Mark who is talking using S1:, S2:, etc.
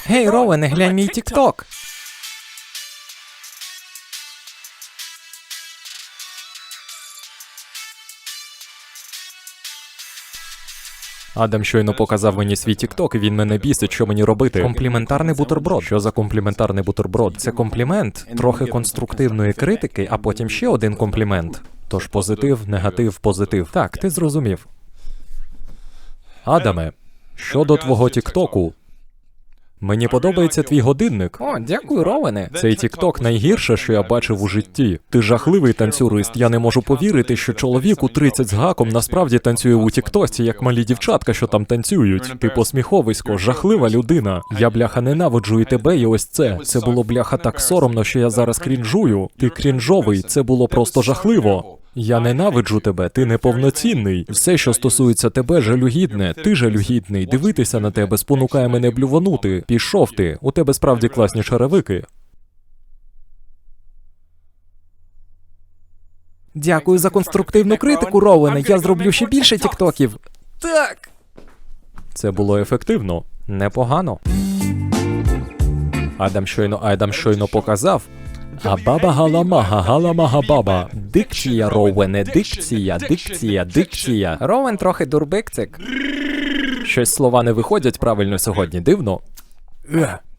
S1: Гей, Роуене, глянь мій тік-ток. Адам щойно показав мені свій тік-ток, і він мене бісить, що мені робити. Компліментарний бутерброд. Що за компліментарний бутерброд? Це комплімент, трохи конструктивної критики, а потім ще один комплімент. Тож позитив, негатив, позитив. Так, ти зрозумів. Адаме, щодо твого тік-току. Мені подобається твій годинник. О, дякую, Роуене. Цей тік-ток найгірше, що я бачив у житті. Ти жахливий танцюрист. Я не можу повірити, що чоловік у 30 з гаком насправді танцює у тік-тосі, як малі дівчатка, що там танцюють. Ти посміховисько, жахлива людина. Я, бляха, ненавиджу і тебе, і ось це. Це було, бляха, так соромно, що я зараз крінжую. Ти крінжовий, це було просто жахливо. Я ненавиджу тебе, ти неповноцінний. Все, що стосується тебе, жалюгідне. Ти жалюгідний. Дивитися на тебе спонукає мене блюванути. Пішов ти. У тебе справді класні черевики. Дякую за конструктивну критику, Роуене. Я зроблю ще більше тіктоків. Так. Це було ефективно. Непогано. Адам щойно показав. А баба галамага, галамага баба. Дикція, Роуене, дикція. Роуен трохи дурбикцик. Щось слова не виходять правильно сьогодні, дивно.